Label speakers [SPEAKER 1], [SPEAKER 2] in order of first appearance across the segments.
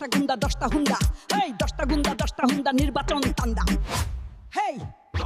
[SPEAKER 1] 10টা গুন্ডা 10টা হুন্ডা, হেই 10টা গুন্ডা 10টা হুন্ডা নির্বাচন তান্দা। হেই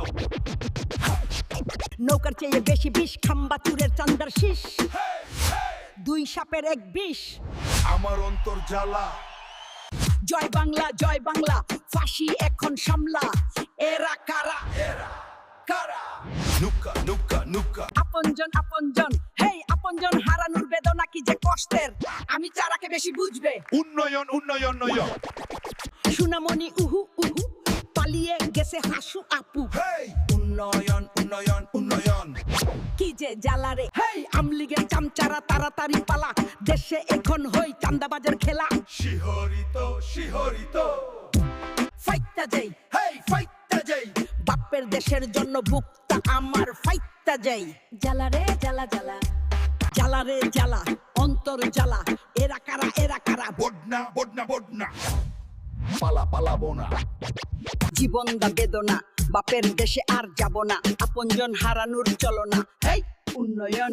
[SPEAKER 1] নৌকার চেয়ে বেশি বিষ, খাম্বা চুরের চান্দার শীষ, দুই সাপের এক বিষ।
[SPEAKER 2] আমার অন্তর জ্বালা।
[SPEAKER 1] জয় বাংলা জয় বাংলা, ফাঁসি এখন সামলা। এরা কারা?
[SPEAKER 2] কারা? নুকা নুকা নুকা।
[SPEAKER 1] আপনজন আপনজন, হেই আপনজন হারানোর বেদনা কি যে কষ্টের, আমি চারাকে বেশি বুঝবে।
[SPEAKER 2] উন্নয়ন উন্নয়ন উন্নয়ন।
[SPEAKER 1] সুনামণি উহু উহু, পালিয়ে গেছে হাসু আপু।
[SPEAKER 2] হেই উন্নয়ন উন্নয়ন উন্নয়ন।
[SPEAKER 1] কি যে জ্বালারে, হেই আমলিগের চামচারা তাড়াতাড়ি পালা, দেশে এখন হই চান্দাবাজের খেলা।
[SPEAKER 2] শিহরিত শিহরিত।
[SPEAKER 1] ফাইটটা যাই,
[SPEAKER 2] হেই ফাইটটা যাই।
[SPEAKER 1] বাপের দেশের জন্য বুকটা আমার ফাইটটা যাই। জ্বালারে জ্বালা জ্বালা, জ্বালারে জ্বালা, অন্তর জ্বালা। এরা কারা? এরা কারা?
[SPEAKER 2] বডনা বডনা বডনা। পালা পালাবো না।
[SPEAKER 1] জীবন দা বেদনা, বাপের দেশে আর যাব না, আপনজন হারানোর চলনা। হেই উন্নয়ন।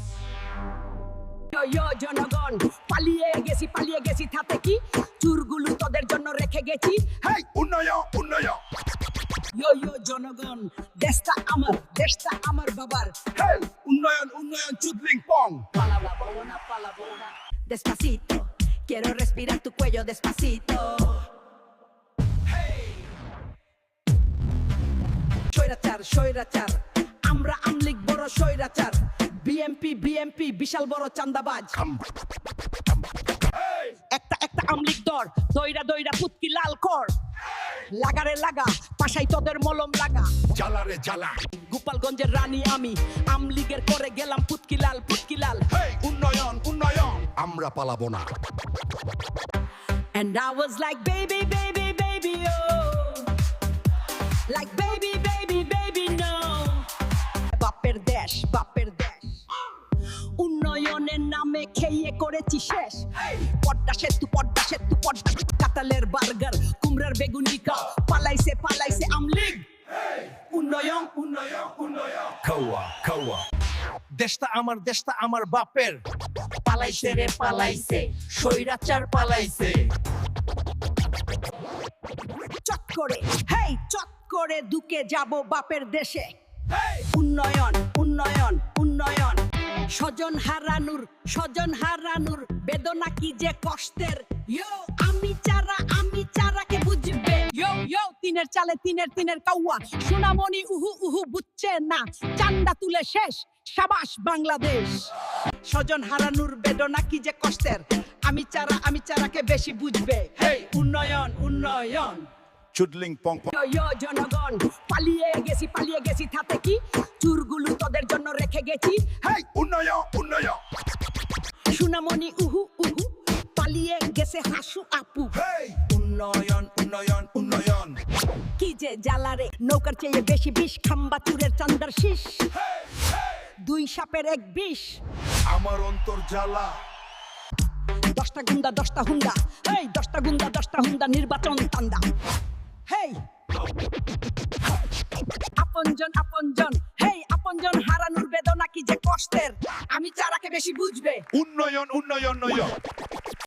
[SPEAKER 1] ইয়ো জনগণ, পালিয়ে গেছি তাতে কি, চুরগুলো তোদের জন্য রেখে গেছি।
[SPEAKER 2] হেই উন্নয়ন উন্নয়ন।
[SPEAKER 1] ইয়ো জনগণ, দেশটা আমার বাবার।
[SPEAKER 2] হেই উন্নয়ন উন্নয়ন চুদলিং পং।
[SPEAKER 1] Palabra. Despacito, quiero respirar tu cuello despacito. স্বৈরাচার স্বৈরাচার, আমরা আমলিগ বড় স্বৈরাচার। বিএমপি বিশাল বড় চান্দাবাজ। একটা আমলিগ দর, দইরা পুতকি লাল কর। লাগারে লাগা, পাশাই তোদের মলম লাগা।
[SPEAKER 2] জ্বালারে জ্বালা।
[SPEAKER 1] গোপালগঞ্জের রানী আমি, আমলিগের করে গেলাম পুতকি লাল।
[SPEAKER 2] হেই উন্নয়ন উন্নয়ন। আমরা পালাবো না।
[SPEAKER 1] And I was like baby oh, like baby no. বাপের দেশ উন্নয়নের নামে খেয়ে করেছি শেষ। পদ্মা সেতু কাতালের বার্গার, কুমড়ার বেগুনি খাও, পালাইছে আমলিগ। উন্নয়ন
[SPEAKER 2] উন্নয়ন উন্নয়ন। খাওয়া খাওয়া। দেশটা আমার বাপের।
[SPEAKER 1] পালাইছে রে পালাইছে, স্বৈরাচার পালাইছে। চট করে দুকে যাব বাপের দেশে। উন্নয়ন উন্নয়ন উন্নয়ন। স্বজন হারানোর বেদনা কি যে কষ্টের। ইয়ো আমি চারাকে বুঝবে। ইয়ো তিনের চালে তিনের কাউয়া, সোনামণি উহু বুঝছে না, চান্দা তুলে শেষ। সাবাস বাংলাদেশ। স্বজন হারানোর বেদনা কি যে কষ্টের, আমি চারাকে বেশি বুঝবে। হেই উন্নয়ন উন্নয়ন।
[SPEAKER 2] চুদলিং পং পং।
[SPEAKER 1] ইয়ো জনগণ, পালিয়ে গেছি তাতে কি, চুরগুলো তোদের জন্য রেখে গেছি।
[SPEAKER 2] হেই উন্নয়ন উন্নয়ন।
[SPEAKER 1] সুনামণি উহু পালিয়ে গেছে হাসু আপু।
[SPEAKER 2] হেই উন্নয়ন উন্নয়ন উন্নয়ন।
[SPEAKER 1] কি যে জ্বালারে, নৌকার চেয়ে বেশি বিষ, খাম্বা চুরের চান্দার শীষ, দুই সাপের এক বিষ।
[SPEAKER 2] আমার অন্তর জ্বালা।
[SPEAKER 1] 10টা গুন্ডা 10টা হুন্ডা, হেই 10টা গুন্ডা 10টা হুন্ডা নির্বাচন তান্দা। হেই আপনজন, হেই আপনজন হারানোর বেদনা কি যে কষ্টের, আমি চারাকে বেশি বুঝবে।
[SPEAKER 2] উন্নয়ন উন্নয়ন উন্নয়ন।